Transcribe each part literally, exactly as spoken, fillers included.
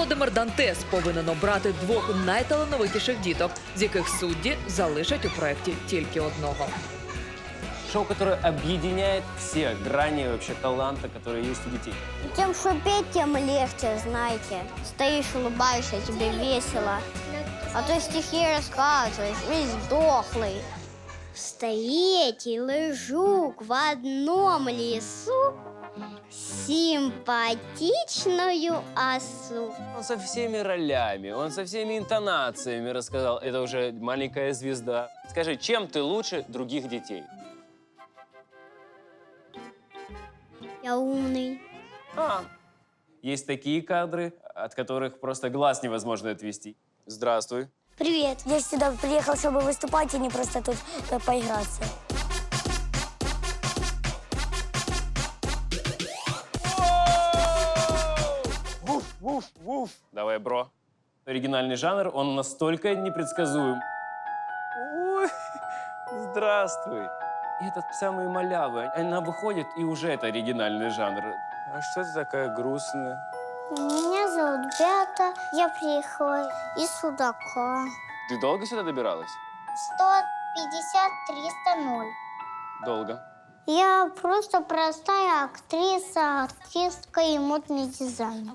Володимир Дантес повинен обрати двох найталановитіших діток, з яких судді залишать у проєкті тільки одного. Шоу, которое объединяет все грани вообще таланта, которые есть у детей. Тем, что петь, тем легче, знаете. Стоишь, улыбаешься, тебе весело. А то стихи рассказываешь, весь дохлый. Стоит и лежук в одном лесу симпатичную осу. Он со всеми ролями, он со всеми интонациями рассказал. Это уже маленькая звезда. Скажи, чем ты лучше других детей? Я умный. А, есть такие кадры, от которых просто глаз невозможно отвести. Здравствуй. Привет. Я сюда приехал, чтобы выступать, а не просто тут э, поиграться. Вуф, вуф, вуф. Давай, бро. Оригинальный жанр, он настолько непредсказуем. Ой, здравствуй. И этот самый малявы, она выходит, и уже это оригинальный жанр. А что ты такая грустная? Меня зовут Бята. Я приехала из Судака. Ты долго сюда добиралась? сто пятьдесят триста ноль. Долго. Я просто простая актриса, артистка и модный дизайнер.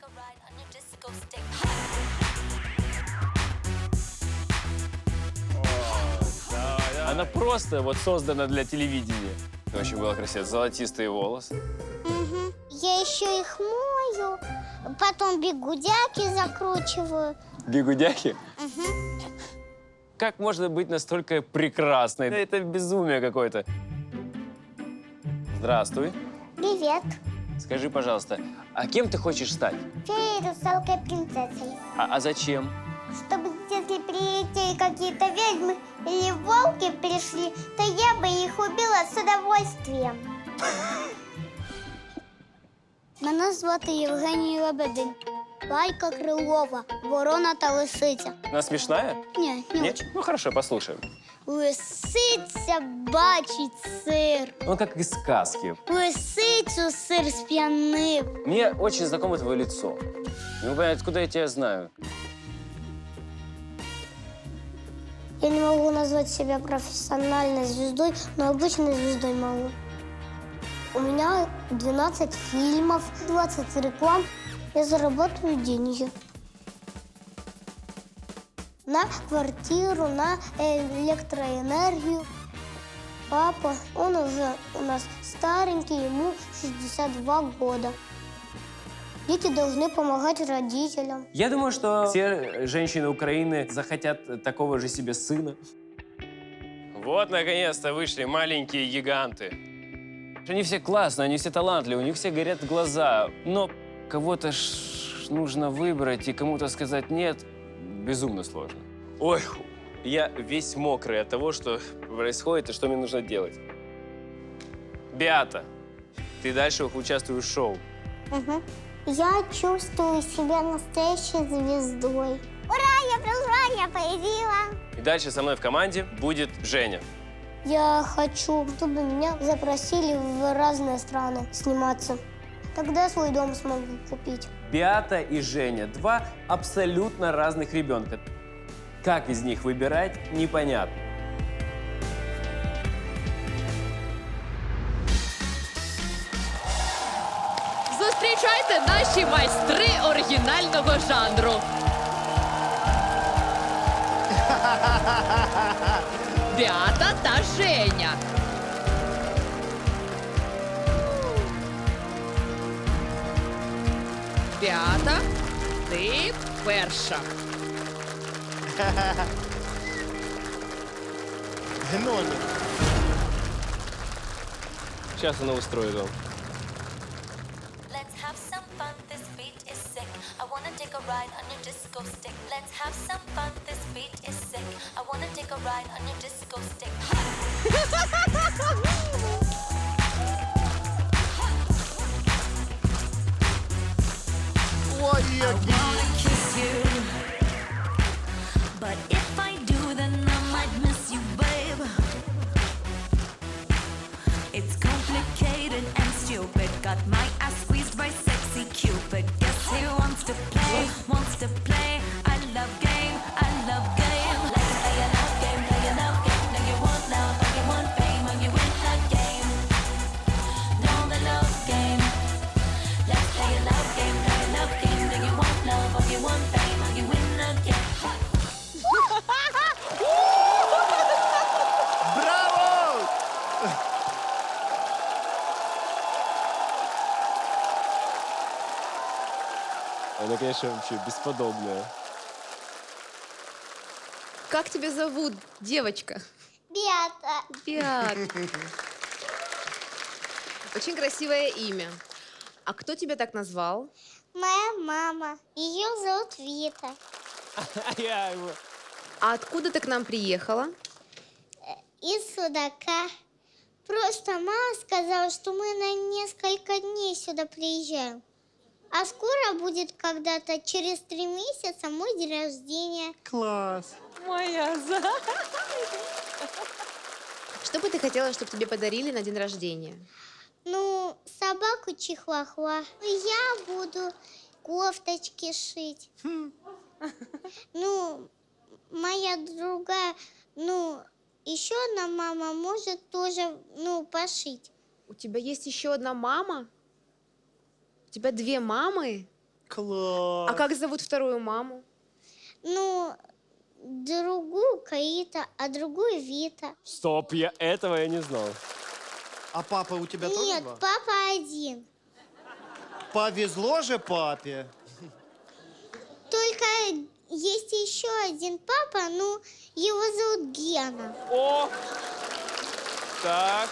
Она просто вот создана для телевидения. Очень было красиво. Золотистые волосы. Угу. Я еще их мою, потом бигудяки закручиваю. Бигудяхи? Угу. Как можно быть настолько прекрасной? Это безумие какое-то. Здравствуй. Привет. Скажи, пожалуйста, а кем ты хочешь стать? Феей, русалкой, принцессой. А, а зачем? Чтобы если прилетели какие-то ведьмы или волки пришли, то я бы их убила с удовольствием. Мене звати Євгеній Лебедин. Лайка Крилова, ворона та лисиця. Она смешная? Ні, не Нет? очень. Ну хорошо, послушаем. Лисиця бачить сир. Он как из сказки. Лисицю сир сп'янив. Мне очень знакомо твое лицо. Не могу понять, откуда я тебя знаю. Я не могу назвать себя профессиональной звездой, но обычной звездой могу. У меня двенадцать фильмов, двадцать реклам. Я зарабатываю деньги. На квартиру, на электроэнергию. Папа, он уже у нас старенький, ему шестьдесят два года. Дети должны помогать родителям. Я думаю, что все женщины Украины захотят такого же себе сына. Вот, наконец-то, вышли маленькие гиганты. Они все классные, они все талантливые, у них все горят глаза. Но кого-то ж нужно выбрать и кому-то сказать «нет» безумно сложно. Ой, я весь мокрый от того, что происходит и что мне нужно делать. Беата, ты дальше участвуешь в шоу. Угу. Я чувствую себя настоящей звездой. Ура, я прозвание победила! И дальше со мной в команде будет Женя. Я хочу, чтобы меня запросили в разные страны сниматься. Тогда свой дом смогу купить. Беата и Женя – два абсолютно разных ребенка. Как из них выбирать, непонятно. Зустрічайте наші майстри оригінального жанру. Беата та Женя. Беата, ти перша. Гномик. Сейчас она устроит вам. Let's have some fun, this beat is sick. I wanna take a ride on your disco stick. Let's have some fun, this beat is sick. I wanna take a ride on your disco stick. Ой, I який. wanna kiss you, but if I do, then I might miss you, babe. It's complicated and stupid. Got my ass squeezed by sexy Cupid. Guess he wants to play. Она, конечно, вообще бесподобная. Как тебя зовут, девочка? Беата. Беат. Очень красивое имя. А кто тебя так назвал? Моя мама. Ее зовут Вита. Я его... А откуда ты к нам приехала? Из Судака. Просто мама сказала, что мы на несколько дней сюда приезжаем. А скоро будет когда-то, через три месяца, мой день рождения. Класс. Моя за. Что бы ты хотела, чтобы тебе подарили на день рождения? Ну, собаку чихуахуа. Я буду кофточки шить. Ну, моя другая, ну, еще одна мама может тоже, ну, пошить. У тебя есть еще одна мама? У тебя две мамы? Класс. А как зовут вторую маму? Ну, другую Каита, а другую Вита. Стоп, я этого я не знал. А папа у тебя тоже Нет, два? папа один. Повезло же папе. Только есть еще один папа, ну, его зовут Гена. О! Так.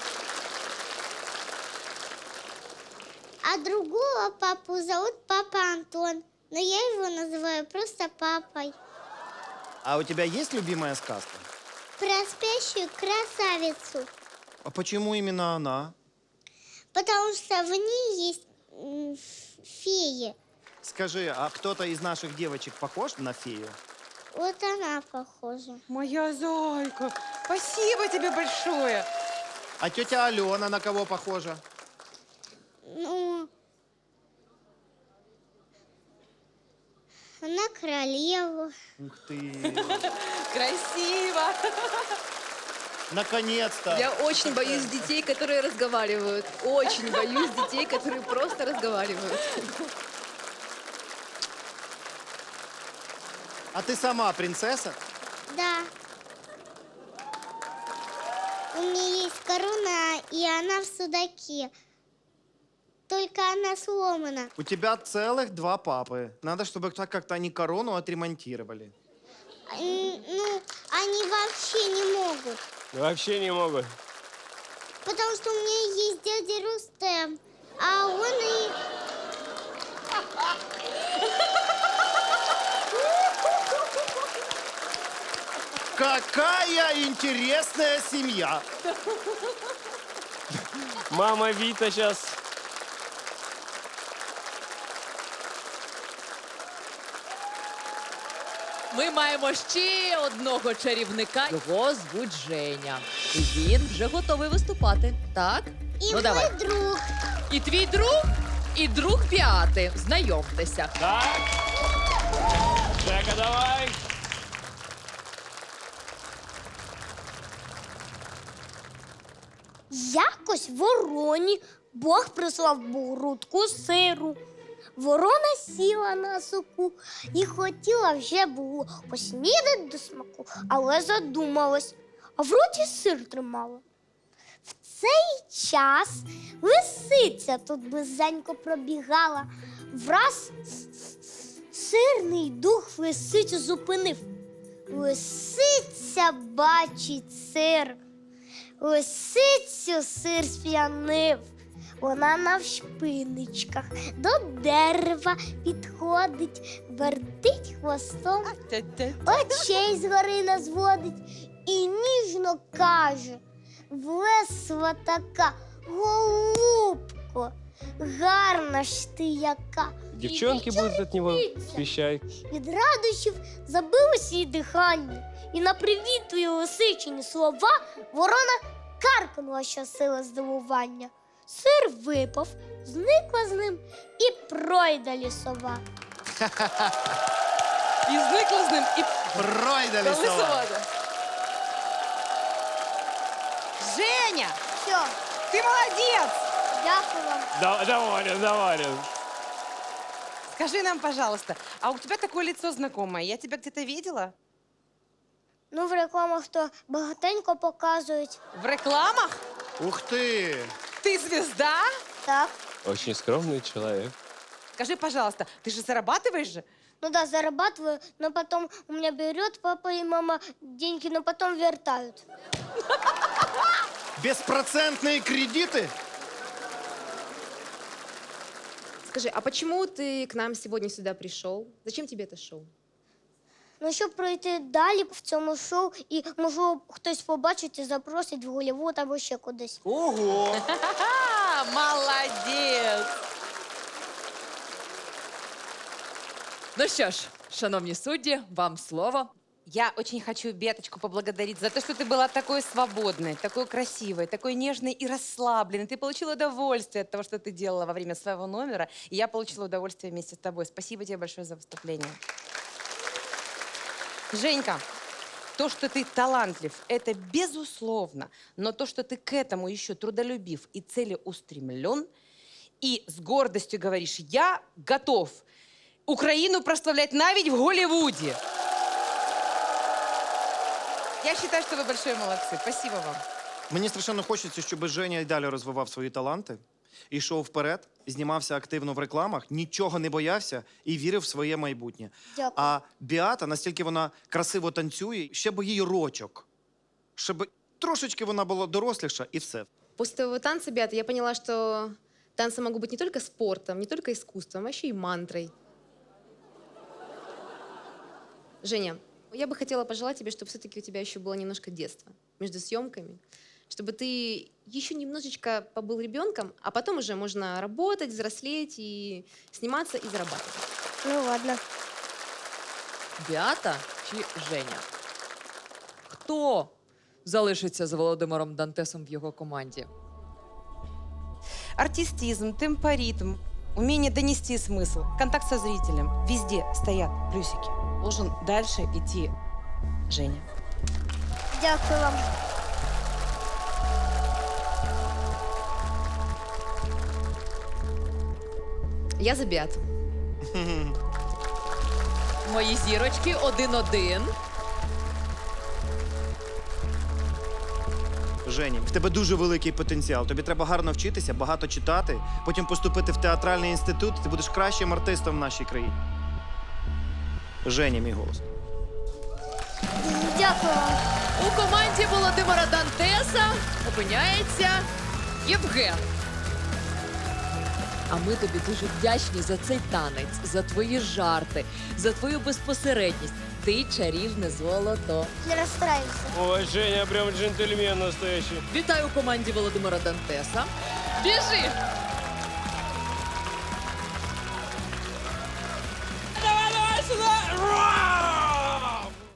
А другого папу зовут папа Антон. Но я его называю просто папой. А у тебя есть любимая сказка? Про спящую красавицу. А почему именно она? Потому что в ней есть м, феи. Скажи, а кто-то из наших девочек похож на фею? Вот она похожа. Моя зайка, спасибо тебе большое. А тетя Алена на кого похожа? Ну, на королеву. Ух ты! Красиво. Наконец-то! Я очень боюсь детей, которые разговаривают. Очень боюсь детей, которые просто разговаривают. А ты сама принцесса? Да. У меня есть корона, и она в судаке. Только она сломана. У тебя целых два папы. Надо, чтобы так как-то они корону отремонтировали. М, Ну, они вообще не могут. Вообще не могут. Потому что у меня есть дядя Рустем, а он и... Какая интересная семья! Мама Вита сейчас... Ми маємо ще одного чарівника. Його звуть Женя. І він вже готовий виступати. Так? И ну мой давай. друг. І твій друг, і друг Біати. Знайомтеся. Так. Жека, давай. Якось вороні Бог прислав грудку сиру. Ворона сіла на соку і хотіла вже було поснідати до смаку, але задумалась, а в роті сир тримала. В цей час лисиця тут близенько пробігала. Враз сирний дух лисицю зупинив. Лисиця бачить сир. Лисицю сир сп'янив. Вона навшпиничках до дерева підходить, вертить хвостом, очей згори назводить і ніжно каже: влесла така, голубко, гарна ж ти яка. Девчонки будут от него пищать. Від радощів забилося їй дихання, і на привітливі лисичині слова ворона каркнула щосили здивування. Сир випав, зникла з ним і пройда лісова. І зникла з ним, і Пройда лісова. лисовода. Женя, Все, ты молодец! дякую вам. Да, доволен, доволен. Скажи нам, пожалуйста, а у тебя такое лицо знакомое, я тебя где-то видела? Ну, в рекламах то багатенько показують. В рекламах? Ух ты! Ты звезда? Так, Очень скромный человек. Скажи, пожалуйста, ты же зарабатываешь же? Ну да, зарабатываю, но потом у меня берет папа и мама деньги, но потом вертают. Беспроцентные кредиты? Скажи, а почему ты к нам сегодня сюда пришел? Зачем тебе это шоу? Ну, щоб пройти далі в цьому шоу, і можу хтось побачить і запросить в Голлівуд або ще кудись. Ого! А, молодец! Ну що ж, шановні судді, вам слово. Я очень хочу Беточку поблагодарить за то, что ты была такой свободной, такой красивой, такой нежной и расслабленной. Ты получила удовольствие от того, что ты делала во время своего номера, и я получила удовольствие вместе с тобой. Спасибо тебе большое за выступление. Женька, то, что ты талантлив, это безусловно, но то, что ты к этому еще трудолюбив и целеустремлен, и с гордостью говоришь, я готов Украину прославлять навіть в Голливуде. Я считаю, что вы большие молодцы. Спасибо вам. Мені страшенно хочеться, щоб Женя й далі розвивав свої таланти, йшов вперед, знімався активно в рекламах, нічого не боявся і вірив в своє майбутнє. Дякую. А Біата, настільки вона красиво танцює, ще б їй рочок. Щоб трошечки вона була доросліша і все. После твоего танца, Беата, я поняла, что танцы могут быть не только спортом, не только искусством, а еще и мантрой. Женя, я бы хотела пожелать тебе, чтобы все-таки у тебя еще было немножко детства между съемками, чтобы ты еще немножечко побыл ребенком, а потом уже можно работать, взрослеть и сниматься и зарабатывать. Ну ладно. Біата чи Женя? Хто залишиться з Володимиром Дантесом в його команді? Артистизм, темпоритм, умение донести смысл, контакт со зрителем. Везде стоят плюсики. Должен дальше идти Женя. Дякую вам. Я за Беату. Мої зірочки один-один. Жені, в тебе дуже великий потенціал. Тобі треба гарно вчитися, багато читати, потім поступити в театральний інститут, ти будеш кращим артистом в нашій країні. Женя, мій голос. Дякую вам. У команді Володимира Дантеса опиняється Євген. А ми тобі дуже вдячні за цей танець, за твої жарти, за твою безпосередність. Ти чарівне золото. Не розстраюйся. Ой, Женя, прям джентльмен настоящий. Вітаю у команді Володимира Дантеса. Біжи! Давай, давай сюда!